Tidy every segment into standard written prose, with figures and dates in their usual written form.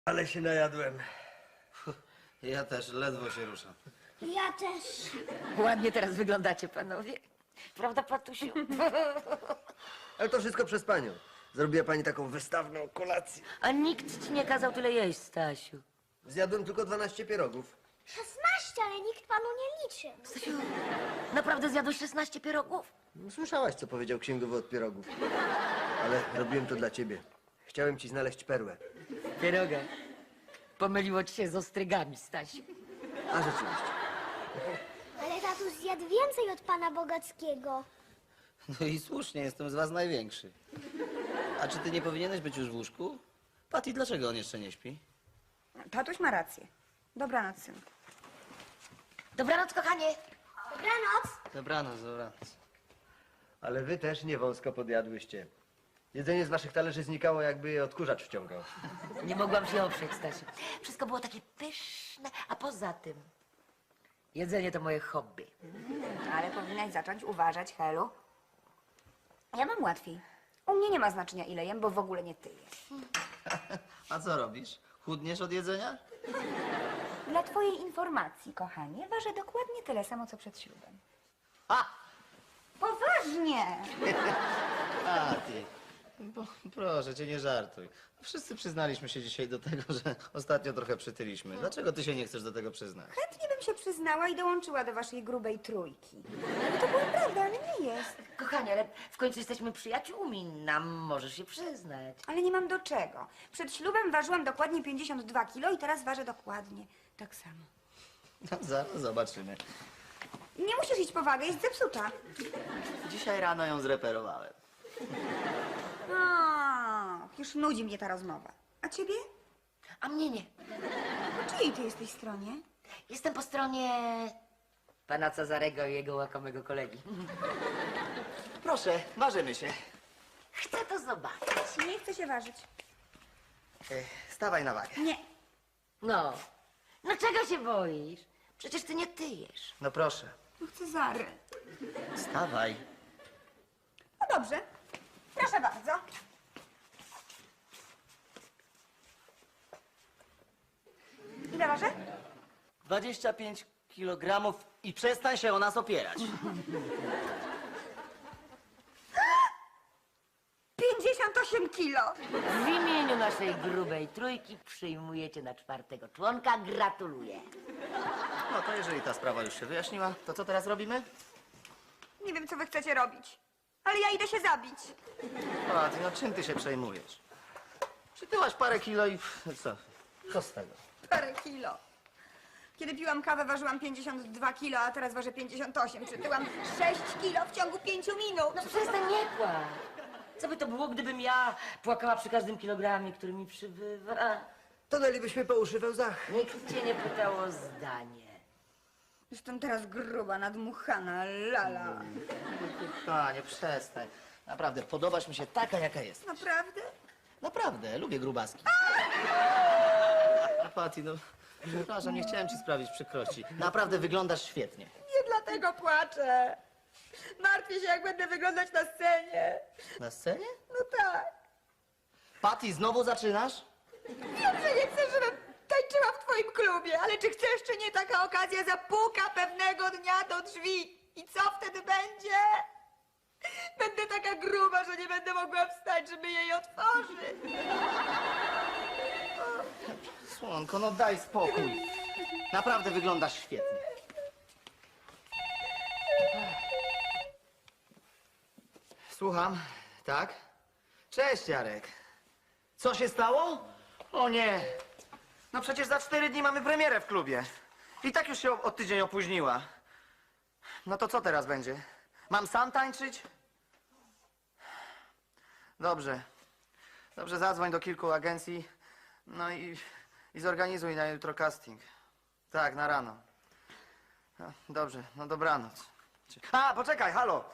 Ale się najadłem. Ja też ledwo się ruszam. Ja też. Ładnie teraz wyglądacie, panowie. Prawda, Patusiu? Ale to wszystko przez panią. Zrobiła pani taką wystawną kolację. A nikt ci nie kazał tyle jeść, Stasiu. Zjadłem tylko 12 pierogów. 16, ale nikt panu nie liczy. Stasiu, naprawdę zjadłeś 16 pierogów? No, słyszałaś, co powiedział księgowy od pierogów. Ale robiłem to dla ciebie. Chciałem ci znaleźć perłę. Pieroga. Pomyliło ci się z ostrygami, Stasiu. A rzeczywiście. Ale tatuś zjadł więcej od pana Bogackiego. No i słusznie, jestem z was największy. A czy ty nie powinieneś być już w łóżku? Patty, dlaczego on jeszcze nie śpi? Tatuś ma rację. Dobranoc, synku. Dobranoc, kochanie. Dobranoc. Dobranoc, dobranoc. Ale wy też nie wąsko podjadłyście. Jedzenie z waszych talerzy znikało, jakby je odkurzacz wciągał. Nie mogłam się oprzeć, Stasiu. Wszystko było takie pyszne, a poza tym jedzenie to moje hobby. Ale powinnaś zacząć uważać, Helu. Ja mam łatwiej. U mnie nie ma znaczenia, ile jem, bo w ogóle nie tyję. A co robisz? Chudniesz od jedzenia? Dla twojej informacji, kochanie, ważę dokładnie tyle samo, co przed ślubem. A! Poważnie! Patty, proszę cię, nie żartuj. Wszyscy przyznaliśmy się dzisiaj do tego, że ostatnio trochę przytyliśmy. Dlaczego ty się nie chcesz do tego przyznać? Chętnie bym się przyznała i dołączyła do waszej grubej trójki. No to była prawda, ale nie jest. Kochanie, ale w końcu jesteśmy przyjaciółmi. Nam możesz się przyznać. Ale nie mam do czego. Przed ślubem ważyłam dokładnie 52 kilo i teraz ważę dokładnie tak samo. No, zaraz zobaczymy. Nie musisz iść po wagę, jest zepsuta. Dzisiaj rano ją zreperowałem. Już nudzi mnie ta rozmowa. A ciebie? A mnie nie. Po czyjej ty jesteś stronie? Jestem po stronie pana Cezarego i jego łakomego kolegi. Proszę, ważymy się. Chcę to zobaczyć. Nie chcę się ważyć. Stawaj na wagę. Nie. No. No czego się boisz? Przecież ty nie tyjesz. No proszę. No chcę Zary. Stawaj. No dobrze. Proszę bardzo. Ile ważę? 25 kilogramów i przestań się o nas opierać. 58 kilo. W imieniu naszej grubej trójki przyjmujecie na 4. członka. Gratuluję. No to jeżeli ta sprawa już się wyjaśniła, to co teraz robimy? Nie wiem, co wy chcecie robić. Ale ja idę się zabić. Patty, no czym ty się przejmujesz? Przytyłaś parę kilo i co? Co z tego? Parę kilo. Kiedy piłam kawę, ważyłam 52 kilo, a teraz ważę 58. Przytyłam 6 kilo w ciągu 5 minut. No przestań, nie płacz. Co by to było, gdybym ja płakała przy każdym kilogramie, który mi przybywa? Tonęlibyśmy po uszy we łzach. Nikt cię nie pytał o zdanie. Jestem teraz gruba, nadmuchana, lala. Kochanie, przestań. Naprawdę, podobasz mi się taka, jaka jest. Naprawdę? Naprawdę, lubię grubaski. Patty, no przepraszam, nie chciałem ci sprawić przykrości. Naprawdę wyglądasz świetnie. Nie dlatego płaczę. Martwię się, jak będę wyglądać na scenie. Na scenie? No tak. Patty, znowu zaczynasz? Wiem, że nie chcesz, żebym tańczyła w twoim klubie, ale czy chcesz, czy nie, taka okazja zapuka pewnego dnia do drzwi. I co wtedy będzie? Będę taka gruba, że nie będę mogła wstać, żeby jej otworzyć. Słonko, no daj spokój. Naprawdę wyglądasz świetnie. Słucham, tak? Cześć, Jarek. Co się stało? O nie. No przecież za 4 dni mamy premierę w klubie. I tak już się o tydzień opóźniła. No to co teraz będzie? Mam sam tańczyć? Dobrze. Dobrze, zadzwoń do kilku agencji. No i zorganizuj na jutro casting. Tak, na rano. No, dobrze, no dobranoc. A, poczekaj, halo.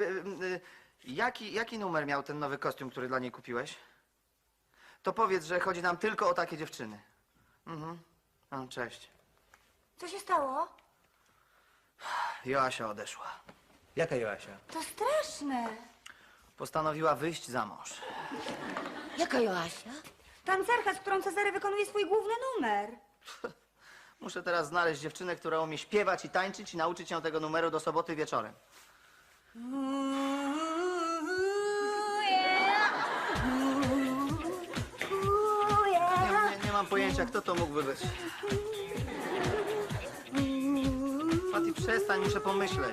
Jaki numer miał ten nowy kostium, który dla niej kupiłeś? To powiedz, że chodzi nam tylko o takie dziewczyny. Mhm. No, cześć. Co się stało? Joasia odeszła. Jaka Joasia? To straszne. Postanowiła wyjść za mąż. Jaka Joasia? Tancerka, z którą Cezary wykonuje swój główny numer. Muszę teraz znaleźć dziewczynę, która umie śpiewać i tańczyć i nauczyć ją tego numeru do soboty wieczorem. Nie mam pojęcia, kto to mógłby być. Fati, przestań, muszę pomyśleć.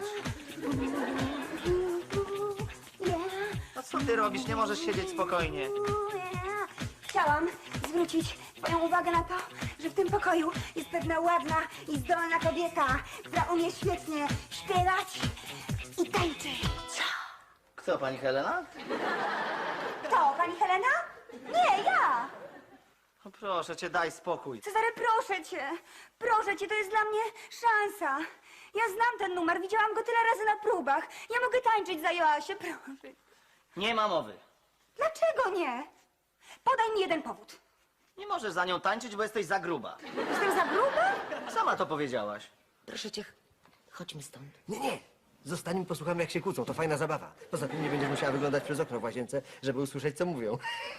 No co ty robisz? Nie możesz siedzieć spokojnie. Chciałam zwrócić twoją uwagę na to, że w tym pokoju jest pewna ładna i zdolna kobieta, która umie świetnie śpiewać i tańczyć. Kto, pani Helena? Kto? Pani Helena? Nie, ja! No proszę cię, daj spokój. Cezary, proszę cię, to jest dla mnie szansa. Ja znam ten numer, widziałam go tyle razy na próbach. Ja mogę tańczyć za Joasię, proszę. Nie ma mowy. Dlaczego nie? Podaj mi jeden powód. Nie możesz za nią tańczyć, bo jesteś za gruba. Jestem za gruba? Sama to powiedziałaś. Proszę cię, chodźmy stąd. Nie. Zostańmy i posłuchamy, jak się kłócą. To fajna zabawa. Poza tym nie będziesz musiała wyglądać przez okno w łazience, żeby usłyszeć, co mówią.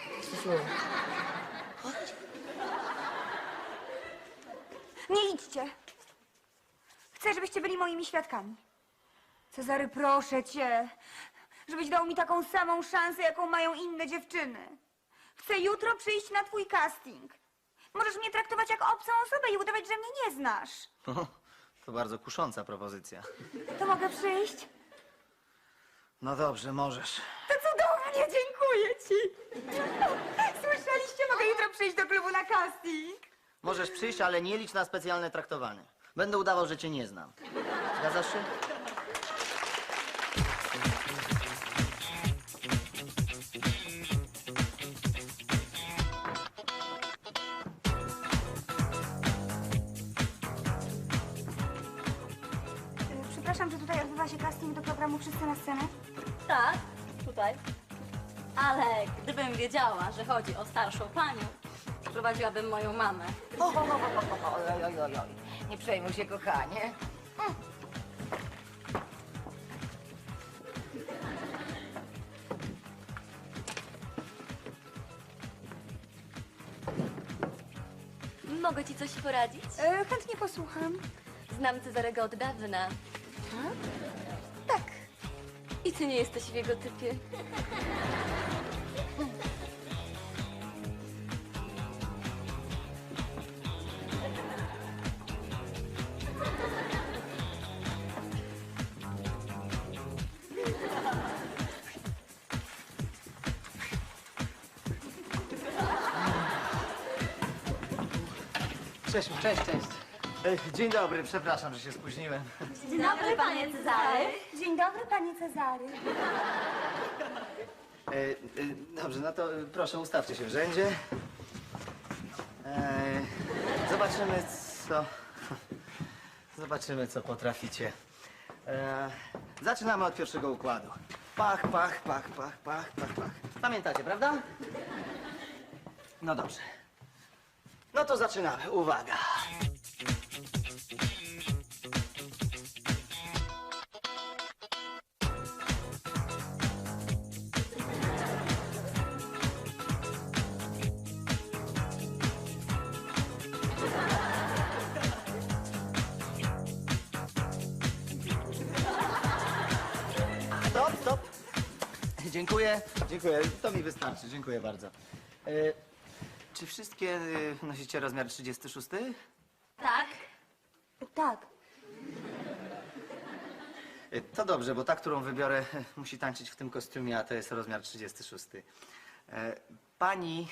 Nie idźcie. Chcę, żebyście byli moimi świadkami. Cezary, proszę cię, żebyś dał mi taką samą szansę, jaką mają inne dziewczyny. Chcę jutro przyjść na twój casting. Możesz mnie traktować jak obcą osobę i udawać, że mnie nie znasz. To bardzo kusząca propozycja. To mogę przyjść? No dobrze, możesz. To cudownie, dziękuję ci. Słyszeliście? Mogę jutro przyjść do klubu na casting. Możesz przyjść, ale nie licz na specjalne traktowanie. Będę udawał, że cię nie znam. Zgadzasz się? Przepraszam, że tutaj odbywa się casting do programu Wszyscy na scenę. Tak, tutaj. Ale gdybym wiedziała, że chodzi o starszą panią, prowadziłabym moją mamę. Oj. Nie przejmuj się, kochanie. Mogę ci coś poradzić? Chętnie posłucham. Znam Cezarego od dawna. Tak. I ty nie jesteś w jego typie. Cześć. Dzień dobry, przepraszam, że się spóźniłem. Dzień dobry, panie Cezary. Dzień dobry, panie Cezary. Dobrze, no to proszę, ustawcie się w rzędzie. Zobaczymy, co... Zobaczymy, co potraficie. Zaczynamy od pierwszego układu. Pach. Pamiętacie, prawda? No dobrze. No to zaczynamy. Uwaga. Stop. Dziękuję. To mi wystarczy. Dziękuję bardzo. Czy wszystkie nosicie rozmiar 36? Tak. Tak. To dobrze, bo ta, którą wybiorę, musi tańczyć w tym kostiumie, a to jest rozmiar 36. Pani...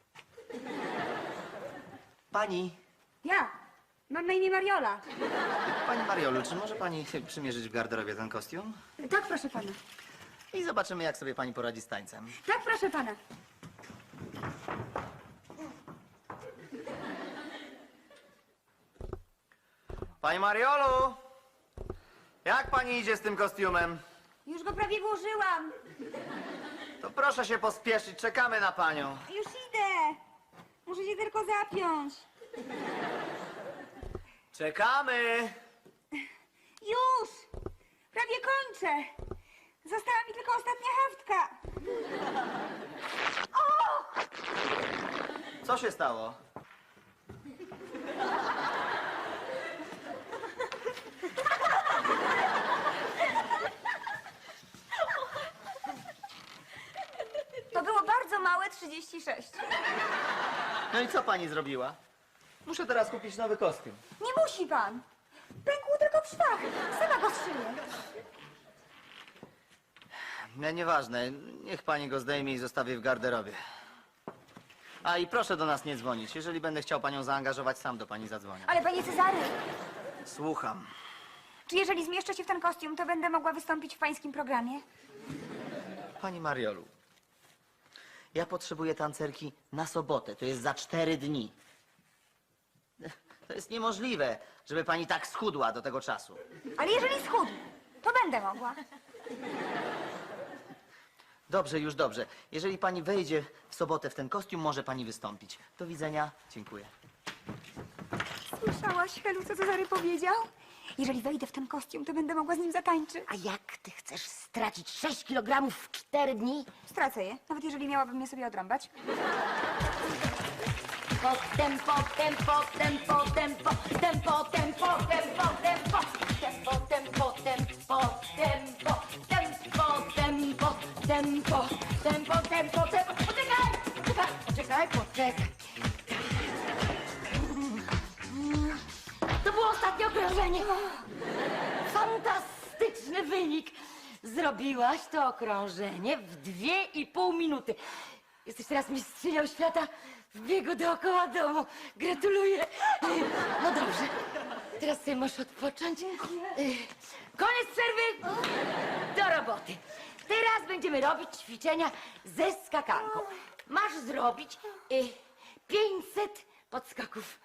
Ja. Mam na imię Mariola. Pani Mariolu, czy może pani przymierzyć w garderobie ten kostium? Tak, proszę pana. I zobaczymy, jak sobie pani poradzi z tańcem. Tak, proszę pana. Pani Mariolu! Jak pani idzie z tym kostiumem? Już go prawie włożyłam. To proszę się pospieszyć, czekamy na panią. Już idę. Muszę się tylko zapiąć. Czekamy! Już. Prawie kończę. Została mi tylko ostatnia haftka. O! Co się stało? To było bardzo małe 36. No i co pani zrobiła? Muszę teraz kupić nowy kostium. Nie musi pan. Pękł tylko w szwach. Sama go strzyję. Nie, nieważne. Niech pani go zdejmie i zostawi w garderobie. A i proszę do nas nie dzwonić. Jeżeli będę chciał panią zaangażować, sam do pani zadzwonię. Ale panie Cezary, Słucham. czy jeżeli zmieszczę się w ten kostium, to będę mogła wystąpić w pańskim programie? Pani Mariolu, ja potrzebuję tancerki na sobotę. To jest za 4 dni. To jest niemożliwe, żeby pani tak schudła do tego czasu. Ale jeżeli schudnę, to będę mogła. Dobrze, już dobrze. Jeżeli pani wejdzie w sobotę w ten kostium, może pani wystąpić. Do widzenia. Dziękuję. Słyszałaś, Helu, co Cezary powiedział? Jeżeli wejdę w ten kostium, to będę mogła z nim zatańczyć. A jak ty chcesz stracić 6 kg w 4 dni? Stracę je, nawet jeżeli miałabym je sobie odrąbać. Tempo, tempo, tempo, tempo, tempo, tempo, tempo, tempo, tempo, tempo, tempo, tempo, tempo, tempo, tempo, tempo, tempo, tempo. Poczekaj. To było ostatnie okrążenie. Fantastyczny wynik. Zrobiłaś to okrążenie w 2,5 minuty. Jesteś teraz mistrzynią świata w biegu dookoła domu. Gratuluję. No dobrze. Teraz sobie możesz odpocząć. Koniec przerwy. Do roboty. Teraz będziemy robić ćwiczenia ze skakanką. Masz zrobić 500 podskaków.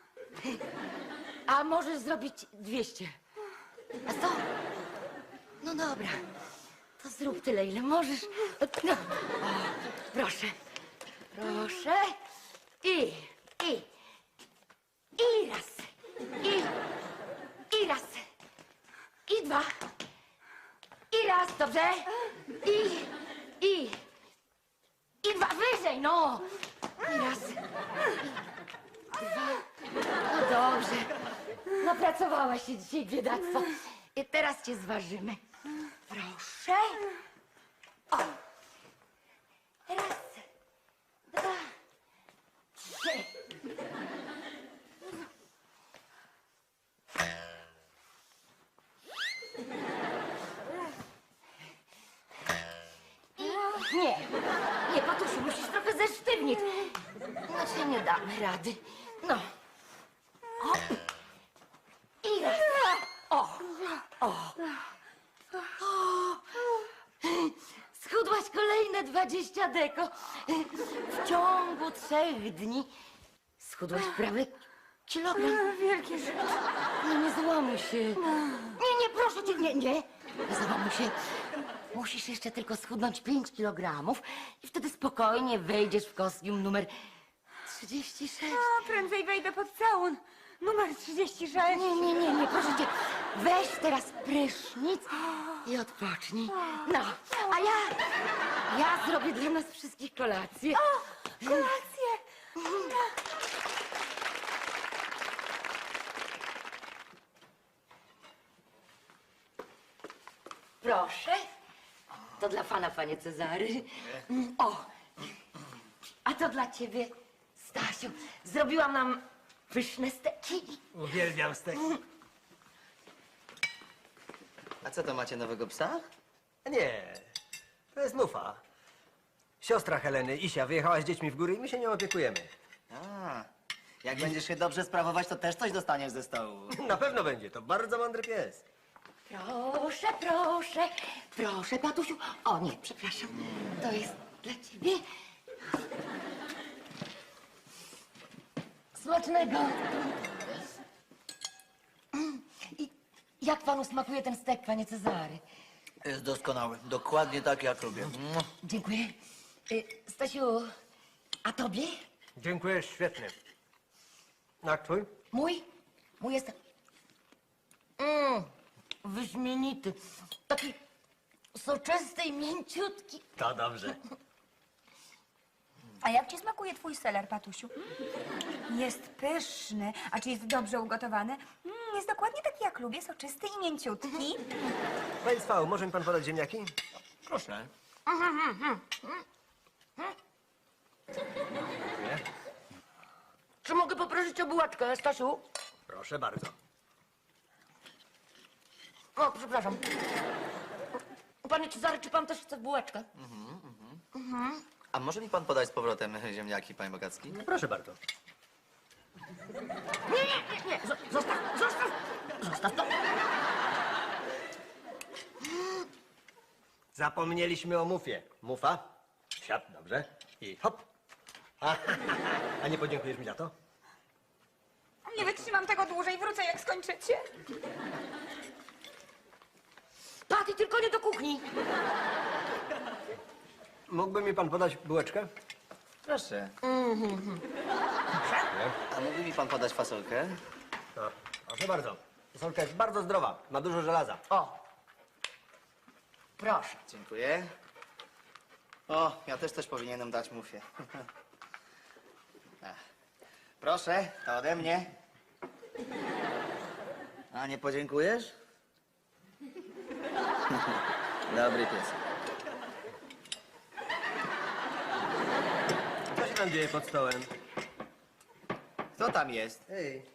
A możesz zrobić 200. A co? No dobra. To zrób tyle, ile możesz. No. O, proszę. Proszę. I raz. I raz. I 2. I raz, dobrze? I 2. Wyżej, no. I raz. I 2. No dobrze. Napracowałaś się dzisiaj, biedactwo. I teraz cię zważymy. Proszę. O. Raz, 2, 3. Nie, Patusiu, musisz trochę zesztywnić. Inaczej nie damy rady. No. O. I raz. O. Schudłaś kolejne 20 deko. W ciągu 3 dni schudłaś prawie kilogram. Wielkie rzeczy. No nie załamuj się. Nie, proszę cię, nie. Nie załamuj się. Musisz jeszcze tylko schudnąć 5 kilogramów i wtedy spokojnie wejdziesz w kostium numer 36. A, prędzej wejdę pod całun. Numer 36. Nie, proszę cię. Weź teraz prysznic i odpocznij. No, a ja zrobię dla nas wszystkich kolację. Kolację. Proszę. To dla pana, panie Cezary. O, a to dla ciebie, Stasiu. Zrobiłam nam pyszne steki. Uwielbiam stek. A co to macie nowego psa? Nie, to jest Nufa. Siostra Heleny, Isia, wyjechała z dziećmi w góry i my się nią opiekujemy. A, jak będziesz się dobrze sprawować, to też coś dostaniesz ze stołu. Na pewno będzie, to bardzo mądry pies. Proszę, Patusiu. O nie, przepraszam. To jest dla ciebie. Smacznego. I jak panu smakuje ten stek, panie Cezary? Jest doskonały. Dokładnie tak, jak lubię. Dziękuję. Stasiu, a tobie? Dziękuję, świetnie. A twój? Mój jest wyśmienity. Taki soczysty i mięciutki. To dobrze. A jak ci smakuje twój seler, Patusiu? Jest pyszny. A czy jest dobrze ugotowany? Jest dokładnie taki, jak lubię, soczysty i mięciutki. Panie Cwał, może mi pan podać ziemniaki? Proszę. Dziękuję. Czy mogę poprosić o bułeczkę, Stasiu? Proszę bardzo. O, przepraszam. Panie Cezary, czy pan też chce bułeczkę? A może mi pan podać z powrotem ziemniaki, panie Bogacki? Proszę bardzo. Nie, zostaw to. Zapomnieliśmy o mufie. Mufa. Siad, dobrze. I hop. A nie podziękujesz mi za to? Nie wytrzymam tego dłużej, wrócę jak skończycie. Paty, tylko nie do kuchni. Mógłby mi pan podać bułeczkę? Proszę. A mógłby mi pan podać fasolkę? No, proszę bardzo. Fasolka jest bardzo zdrowa. Ma dużo żelaza. O, proszę. Dziękuję. O, ja też coś powinienem dać mufie. Proszę, to ode mnie. A nie podziękujesz? Dobry pies. Co się tam dzieje pod stołem? Co tam jest? Ej.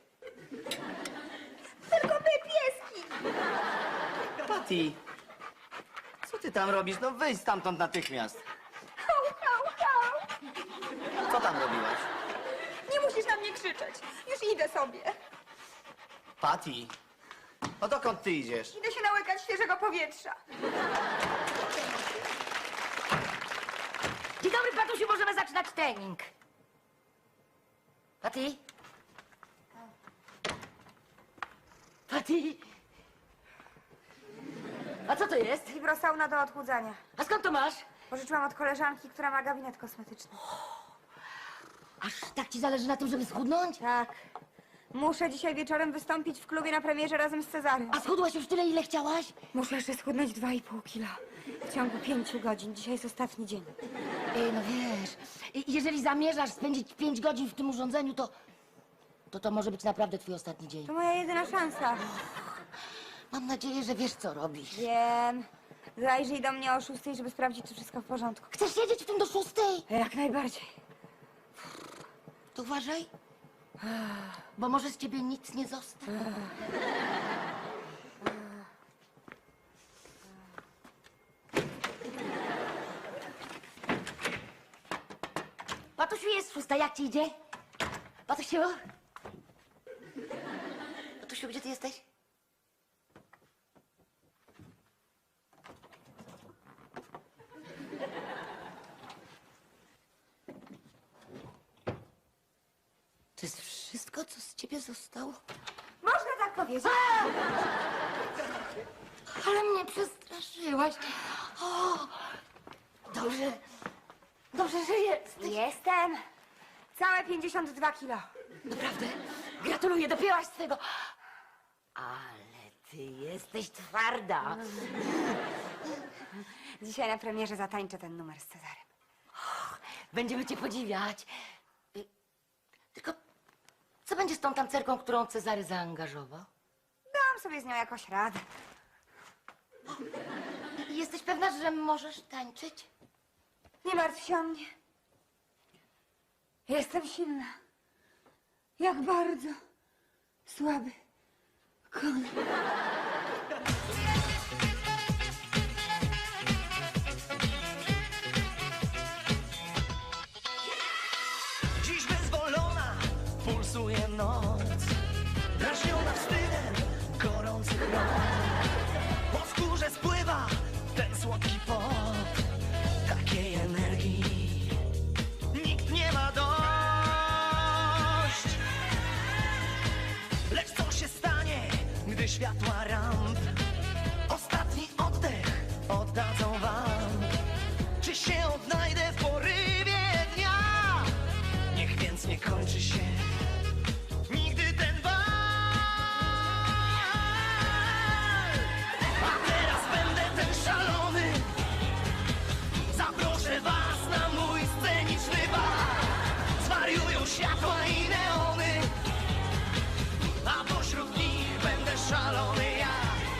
Tylko my, pieski. Patty, co ty tam robisz? No wyjdź stamtąd natychmiast. Hał, hał, hał. Co tam robiłaś? Nie musisz na mnie krzyczeć. Już idę sobie. Patty, no dokąd ty idziesz? Idę się nałykać świeżego powietrza. Dzień dobry, Patusiu, możemy zaczynać trening. Paty? Paty? A co to jest? Fibrosauna do odchudzania. A skąd to masz? Pożyczyłam od koleżanki, która ma gabinet kosmetyczny. Aż tak ci zależy na tym, żeby schudnąć? Tak. Muszę dzisiaj wieczorem wystąpić w klubie na premierze razem z Cezarym. A schudłaś już tyle, ile chciałaś? Muszę jeszcze schudnąć 2,5 kila. W ciągu 5 godzin. Dzisiaj jest ostatni dzień. Ej, no wiesz, jeżeli zamierzasz spędzić 5 godzin w tym urządzeniu, to może być naprawdę twój ostatni dzień. To moja jedyna szansa. Mam nadzieję, że wiesz, co robisz. Wiem. Zajrzyj do mnie o 6, żeby sprawdzić, czy wszystko w porządku. Chcesz siedzieć w tym do 6? Jak najbardziej. To uważaj, bo może z ciebie nic nie zostać. Patusiu, jest 6, jak ci idzie? Patusiu? Patusiu, gdzie ty jesteś? To jest wszystko, co z ciebie zostało? Można tak powiedzieć. Ale mnie przestraszyłaś. O, dobrze, że jesteś. Jestem. Całe 52 kilo. Naprawdę? Gratuluję, dopięłaś swego. Ale ty jesteś twarda. Dzisiaj na premierze zatańczę ten numer z Cezarem. Będziemy cię podziwiać. Tylko co będzie z tą tancerką, którą Cezary zaangażował? Dam sobie z nią jakoś radę. Jesteś pewna, że możesz tańczyć? Nie martw się o mnie. Jestem silna. Jak bardzo słaby koń. Dziś wyzwolona, pulsuje noc, drażniona wstydem gorących rąk. Po skórze spływa ten słodki pot, takiej energii nikt nie ma dość. Lecz co się stanie, gdy światła ramp ostatni oddech oddadzą wam? Czy się odnajdę w porywie dnia? Niech więc nie kończy się nigdy ten bal. A teraz będę ten szalony, zaproszę was na mój sceniczny bal. światła i neony, a pośród nich będę szalony ja.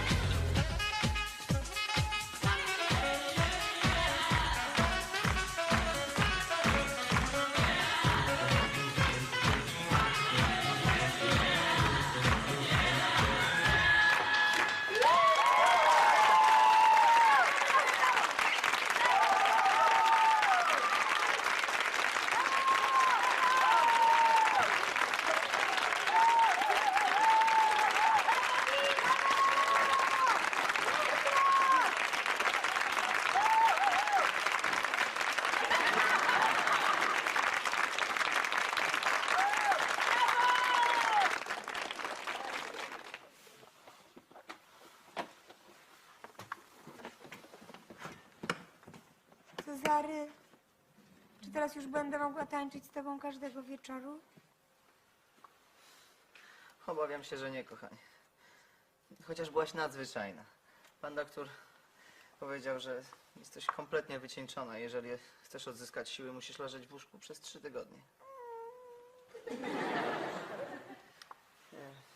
Cezary, czy teraz już będę mogła tańczyć z tobą każdego wieczoru? Obawiam się, że nie, kochanie. Chociaż byłaś nadzwyczajna. Pan doktor powiedział, że jesteś kompletnie wycieńczona. Jeżeli chcesz odzyskać siły, musisz leżeć w łóżku przez 3 tygodnie.